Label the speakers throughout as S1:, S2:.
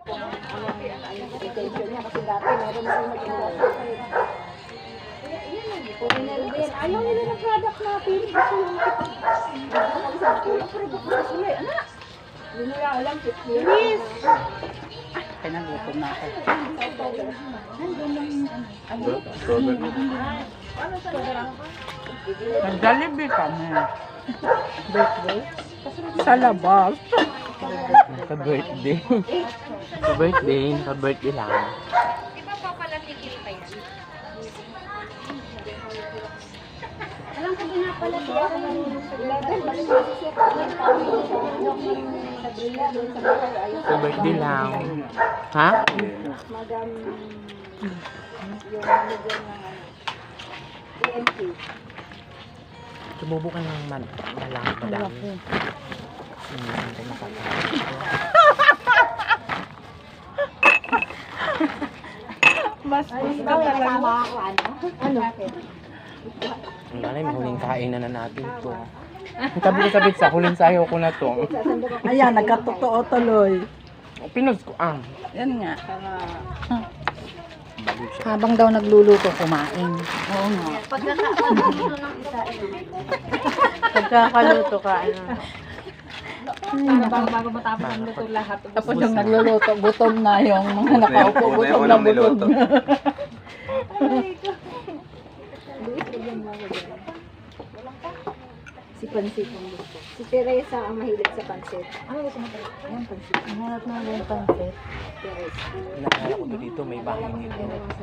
S1: Attention niya kasi dati meron na yung nag-iwas. Ayaw nila ng product natin. Gusto yung anak. Hindi nila alam. Yes!
S2: Kaya nagutom na ako. Nag-Jollibee kami.
S1: Birthday?
S2: Sa labas.
S3: Ka-birthday. Ka-birthday lang.
S1: Iba pa pala tigil pa yan. Alam ko din na pala siya sa 11. Balik kasi siya sa Brilla doon sa bahay. Ayun.
S3: Ka-birthday lang. Ha?
S1: Madam, yung manager ng EMT.
S3: Sumubukan ng malang madami. Hindi makakaya.
S2: Mas
S1: Ikaw yung kasama ako, ano? Ano?
S3: Ang ganay, may huling kain na natin to. Ang sabit sa huling sayo ko na to.
S2: Ayan, nagkatotoo tuloy.
S3: Pinos ko
S2: Yan nga.
S3: Baliw siya.
S2: Habang daw nagluluto, kumain. Oo nga.
S1: Pagkakaluto ng isa,
S2: Pagkakaluto ka, ano.
S1: bago matapos ang luto lahat.
S2: Tapos yung nagluluto, gutom na yung mga nakaupo, gutom na gutom na.
S1: Si Pansit ang gusto. Si Teresa ang mahilig sa pansit. Ano gusto mo tayo? Ayan, pansit.
S2: Ang hanap na yung pansit.
S1: Teresa.
S3: Nakakala ko dito, may bahay dito.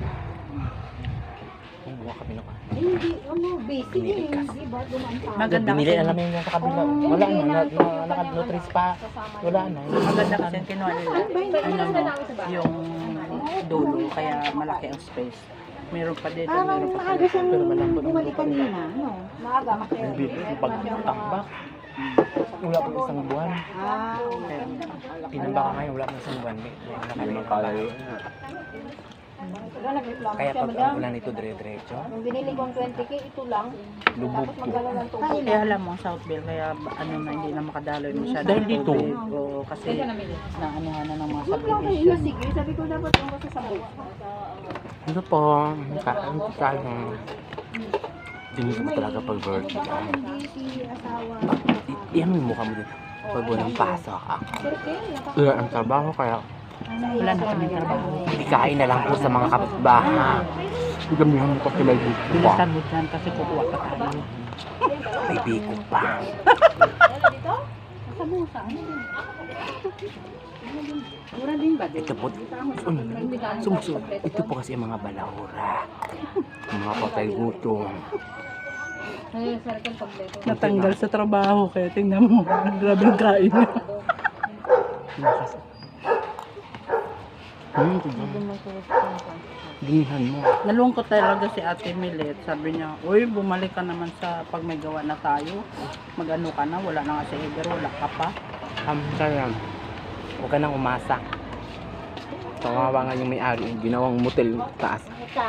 S3: Kumuha kami ng
S1: Hindi, ano, basic
S3: Binili
S1: yun.
S3: kasi.
S1: Diba, dumaan pa.
S2: Maganda
S3: Binili,
S2: kasi.
S3: alam mo yung sa kabila. Wala na, naka-nutris pa. Wala na.
S2: Maganda kasi yung kinuha nila. Ano mo, yung dulo, kaya malaki ang space. Meron pa dito,
S1: Parang
S2: meron pa
S1: maaga
S2: dito.
S1: siyang
S2: Pero malambot ang
S1: bumalik
S2: lupa nila.
S1: kanina. Ano? Maaga kasi.
S3: Pag-takbak, wala pa isang buwan.
S1: Ah, okay.
S3: Tinamba ka ngayon, wala pa isang buwan. May nakalimutan. Kaya pag ang ulan ito dire-diretso,
S1: Yung binili kong 20k, ito lang.
S3: lubog
S1: Tapos
S3: to.
S1: magdala ng tubig.
S2: Kaya alam mo, Southville, kaya ano na, hindi na makadaloy masyado.
S3: Dahil dito.
S2: Oo, kasi naanuhan na ng mga
S1: Huwag lang kayo
S2: subdivision.
S1: sige. Sabi ko dapat yung kasi sa buwan.
S3: Ano po, kaya Tingin ko talaga pag birthday ka.
S1: Hindi si asawa.
S3: Iyan mo yung mukha mo din. Pag walang pasok ako.
S1: Sir,
S3: Wala ang trabaho kaya
S2: Wala na kami trabaho.
S3: kain na lang po sa mga kapitbahay. Gamihan mo pa sila dito pa.
S2: Bilisan mo dyan kasi kukuha pa tayo.
S3: May biko pa.
S1: sa busa. Ano din?
S2: Mura din ba?
S3: Ito po, sumusunod. Ito po kasi ang mga balahura. Ang mga patay gutom.
S1: Ay, circle kompleto.
S2: Natanggal sa trabaho kaya tingnan mo. Grabe ang kain.
S3: Ginihan mo.
S2: Nalungkot talaga si Ate Milet. Sabi niya, uy, bumalik ka naman sa pag may gawa na tayo. Mag-ano ka na, wala na nga si Heber, wala ka pa.
S3: Kaya, huwag ka nang umasa. Kawawa nga yung may-ari, ginawang motel yung taas.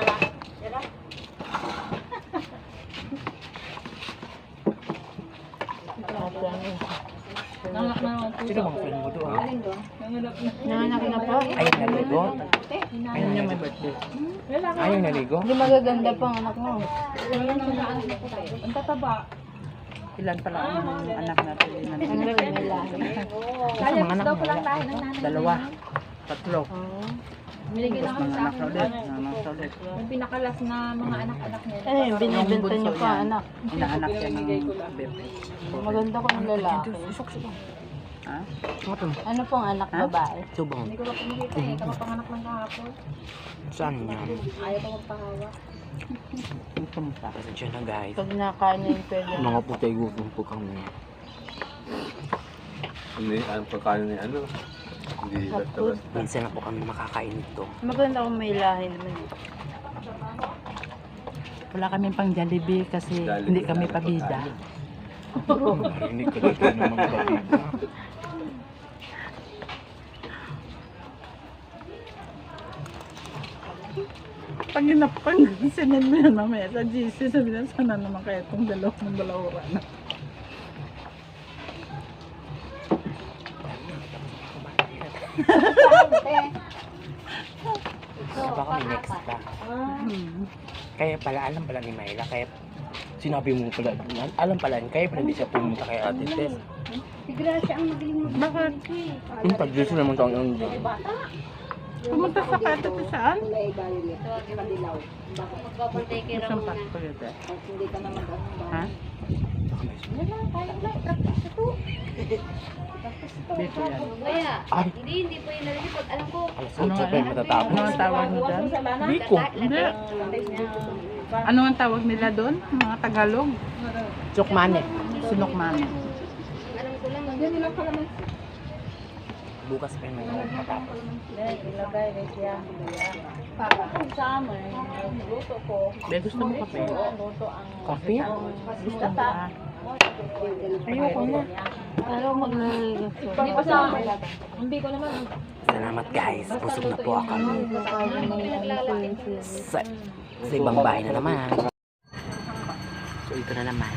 S3: Sino bang friend mo doon?
S1: Nanganak na po.
S3: Ayaw naligo?
S2: Ayun niya may birthday.
S3: Ayaw naligo?
S1: Hindi magaganda pang anak mo. Ang tataba.
S2: Ilan pala ang anak natin?
S1: Ang rin nila.
S3: Sa mga anak mo?
S2: Dalawa. Tatlo.
S1: Binigyan
S2: Tapos mga anak na ulit. Nanak na ulit.
S1: Yung pinakalas na mga anak-anak nila.
S2: Eh, binibenta niyo pa anak. Inaanak yan ng bebe.
S1: Maganda ko ng lalaki.
S2: Ha?
S1: Ano pong anak
S2: Ha?
S1: babae?
S3: Subang.
S1: Hindi ko na kumikita eh. Kapapanganak lang kahapon.
S3: Saan yan?
S1: Ayaw ko magpahawa.
S2: Ito mo sa
S3: Kasi dyan na guys.
S1: Pag nakain na yung pwede.
S3: Mga putay gutom po kami.
S4: Ang pagkain ni ano? Hindi basta.
S3: Minsan na po kami makakain ito.
S1: Maganda kung may lahi naman.
S2: Wala kami pang Jollibee kasi hindi kami pabida.
S3: Marinig ka dito ng mga pabida.
S2: Pag inapang sinend mo yan mamaya sa GC, sabi na sana naman kaya itong dalawang balahura na.
S3: Baka may next pa. Kaya pala, alam pala ni Myla, kaya sinabi mo pala, alam pala, kaya pala hindi siya pumunta kay Ate Tess.
S1: Si Gracia ang magaling
S2: Bakit?
S3: Yung pag-dress naman taong yun.
S2: Pumunta sa kata sa saan?
S1: kulay violet. Madilaw. Magpapantay kay
S2: Isang pasto yun.
S1: Hindi ka naman
S2: Ha?
S1: Wala, tayo na. Practice ito.
S2: Dito yan.
S1: Kaya,
S3: Ay,
S1: hindi po yung nalilipot. Alam ko.
S3: alas 8 pa yung matatapos.
S2: Ano ang tawag mo dyan?
S3: Biko.
S2: Hindi. Ano ang tawag nila doon? Mga Tagalog?
S3: Chokmane.
S2: Sinokman.
S1: Alam ko lang. Yan nilang kalaman.
S3: Bukas pa yung matatapos.
S1: Ilagay na siya. Pagkakang summer, luto ko.
S2: Be, gusto mo kape?
S1: Luto ang
S3: Kape?
S2: Gusto mo ba?
S1: ayoko na. Pero maglalagay. Hindi pa sa hindi ko naman.
S3: Salamat guys, busog na po ako. Sa ibang bahay na naman. So ito na naman.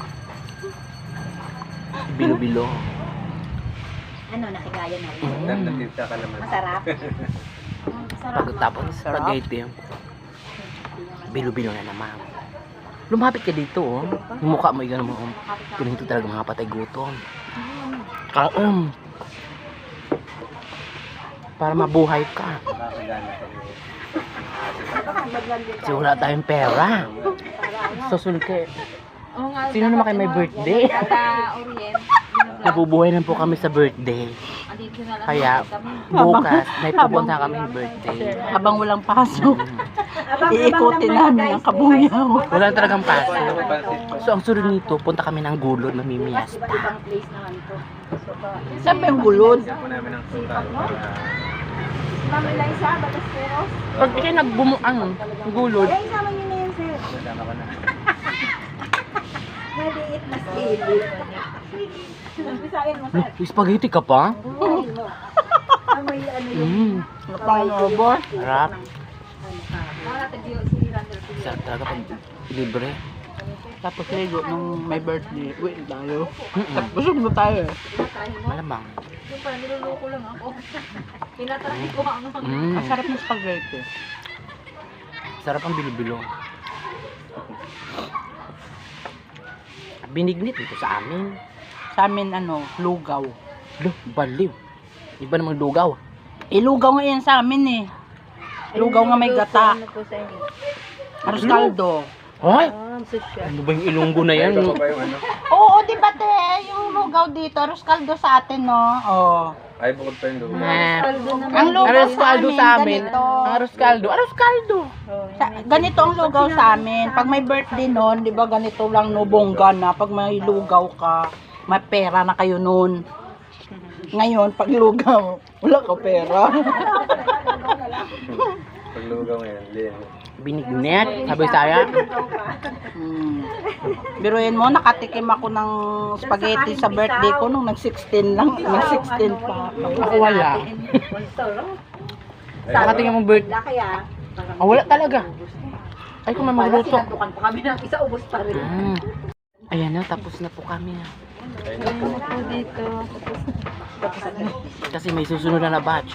S3: Bilo-bilo.
S1: Ano, nakigaya na rin.
S4: Nakita ka naman.
S1: Masarap.
S3: Pagkatapos ng spaghetti, bilo-bilo na naman. Lumapit ka dito, oh. Yung mukha mo, yung mo, oh. Ganito talaga mga patay gutom. Kaon. Para mabuhay ka.
S4: Nakakagana ka niyo.
S3: Kasi wala tayong pera. Susunod ka. Sino naman kayo may birthday? Nabubuhay lang po kami sa birthday. Kaya bukas may pupunta kami birthday.
S2: Habang walang pasok, iikutin namin ang kabuyaw.
S3: Wala talagang paso.
S4: Pansit pa.
S3: So ang sunod nito, punta kami ng gulod, mamimiyasta.
S1: Ibang place naman to.
S2: Saan ba yung gulod?
S4: Bigyan po namin ng total para
S1: Mami Liza, Batasperos.
S3: Pag kayo nagbumuang gulod,
S1: Ay, sama niyo na yun, sir.
S4: nadama ka na.
S1: Maliit na sili. Umpisahin mo, sir.
S3: spaghetti ka pa?
S1: Amoy ano yun.
S2: Napang-robot.
S3: Harap.
S1: Para tagyo si Randall.
S3: Sarap talaga pag libre.
S2: Tapos ligo nung may birthday. Wait tayo. Busog na tayo eh.
S3: Malamang.
S1: Yung pa, niluloko lang ako. Pinatry ko ang
S2: Ang sarap ng spaghetti.
S3: Sarap ang bilo-bilo. Binignit ito sa amin.
S2: Sa amin ano, lugaw.
S3: Lo, baliw. Iba namang lugaw.
S2: Lugaw nga yan sa amin eh. Lugaw nga may gata. Aros kaldo.
S3: Ay! Ano ba yung ilunggo na yan?
S4: Ito pa ba yung ano?
S2: Oo, di ba te? Yung lugaw dito, aros kaldo sa atin no? Oo.
S4: Ay, bukod pa yung lupa.
S2: Ang lugaw
S3: Aros kaldo sa amin.
S2: ganito.
S3: Ang aros kaldo. Aros kaldo.
S2: Ganito ang lugaw sa amin. Pag may birthday nun, di ba ganito lang no, bongga na. Pag may lugaw ka, may pera na kayo nun. Ngayon, pag lugaw, wala ka pera.
S4: Paglugaw ngayon, din.
S3: Binignit. Sabi saya.
S2: Biruin mo, nakatikim ako ng spaghetti sa birthday ko nung nag-16 lang. Nag-16 pa.
S3: Ako wala. Nakatingin mong bird.
S1: Kaya,
S3: Ah, wala talaga. Ay, kung may magluto.
S1: sinandukan pa kami ng isa, ubos pa rin.
S3: Ayan na, tapos na po kami. Kasi may susunod na batch.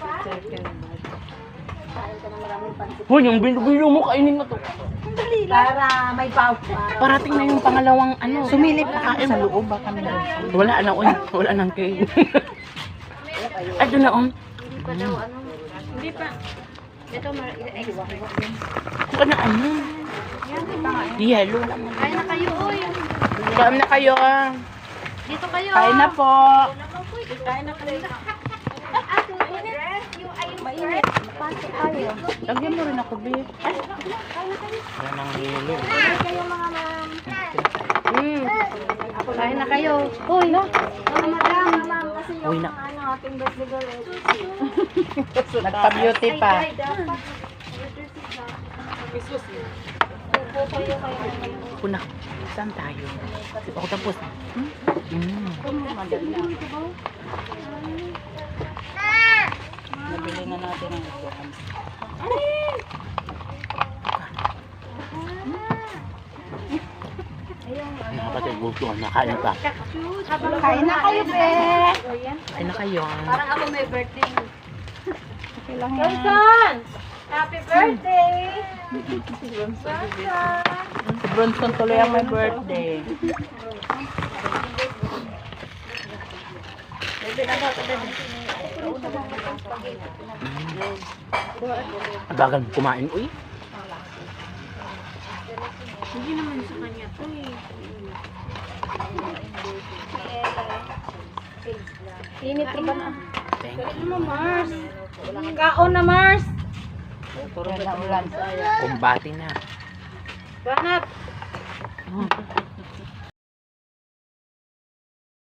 S3: Hoy, yung bilo-bilo mo, kainin mo to.
S1: Para may power.
S3: Parating na yung pangalawang ano.
S2: Sumilip pa sa loob ba kami doon?
S3: Wala na, oy. Wala nang kain. Ay, doon na,
S1: Hindi pa daw, ano? Hindi pa. Ito,
S3: Ano na, ano? Yellow lang.
S1: Kain na kayo, oy.
S3: Kain na kayo, ah.
S1: Dito kayo.
S2: Kain na po.
S1: Kain na kayo. Mainit. Pati tayo.
S2: Lagyan mo rin ako, be.
S3: Wala nang yellow.
S1: Kayo mga ma'am. Kain na kayo. Uy. Ma'am, kasi
S3: Uy,
S1: yung
S3: na.
S1: ano, ating birthday girl.
S2: Nagpa-beauty pa.
S1: Ay, dapat.
S3: Kuna, saan tayo? Ako tapos.
S2: Nabili na natin ang ito.
S3: Nakapatid, gusto. Nakain pa.
S2: Kain na kayo, be.
S3: Kain na kayo.
S1: Parang ako may birthday.
S2: Okay lang yan.
S1: Bronson! Happy birthday!
S2: Si Bronson tuloy ang may birthday.
S3: Bagal mo kumain, uy.
S1: Hindi naman sa kanya to eh. Init ka ba na?
S3: Thank you.
S1: Ano Mars? Kaon na Mars!
S2: Yan na ulan.
S3: Kumbati na.
S1: Banat!